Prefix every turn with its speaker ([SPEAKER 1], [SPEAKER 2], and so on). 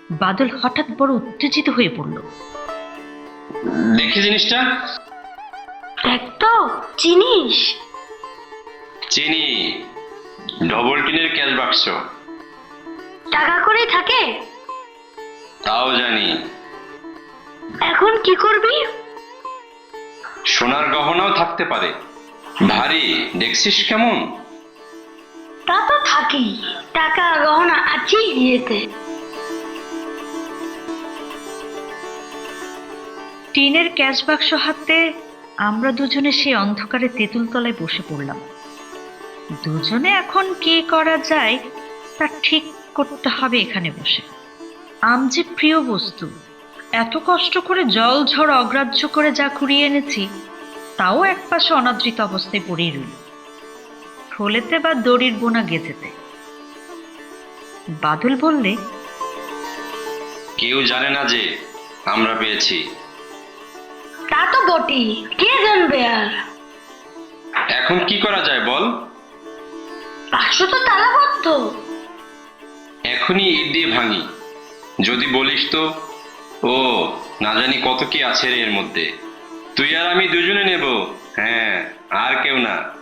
[SPEAKER 1] বাদল হঠাৎ বড় উত্তেজিত হয়ে পড়ল।
[SPEAKER 2] দেখি জিনিসটা।
[SPEAKER 3] দেখ তো, চিনিস?
[SPEAKER 2] চিনি, ডবল টিনের ক্যাশ বাক্স।
[SPEAKER 3] টাকা করেই থাকে?
[SPEAKER 2] তাও জানি।
[SPEAKER 3] এখন কি করবি?
[SPEAKER 2] সোনার গহনাও থাকতে পারে। ভারী, দেখছিস কেমন?
[SPEAKER 3] তা তো থাকেই, টাকা গহনা আছেই বিয়েতে।
[SPEAKER 1] টিনের ক্যাশ বাক্স হাতে আমরা দুজনে সেই অন্ধকারে তেঁতুল তলায় বসে পড়লাম। দুজনে এখন কি করা যায় তা ঠিক করতে হবে এখানে বসে। আম যে প্রিয় বস্তু, এত কষ্ট করে জল ঝড় অগ্রাহ্য করে যা কুড়িয়ে এনেছি তাও একপাশে অনাদৃত অবস্থায় পড়েই রইল, থলেতে বা দড়ির বোনা গেঁথেতে। বাদল বললে,
[SPEAKER 2] কেউ জানে না যে আমরা পেয়েছি।
[SPEAKER 3] তা তো বটেই, কে জানবে আর?
[SPEAKER 2] এখন কি করা যায় বল?
[SPEAKER 3] বাক্স তো তালাবদ্ধ।
[SPEAKER 2] এখনই ইট দিয়ে ভাঙি। যদি বলিস তো। ও, না জানি কত কি আছে রে এর মধ্যে। তুই আর আমি দুজনে নেব। হ্যাঁ, আর কেউ না।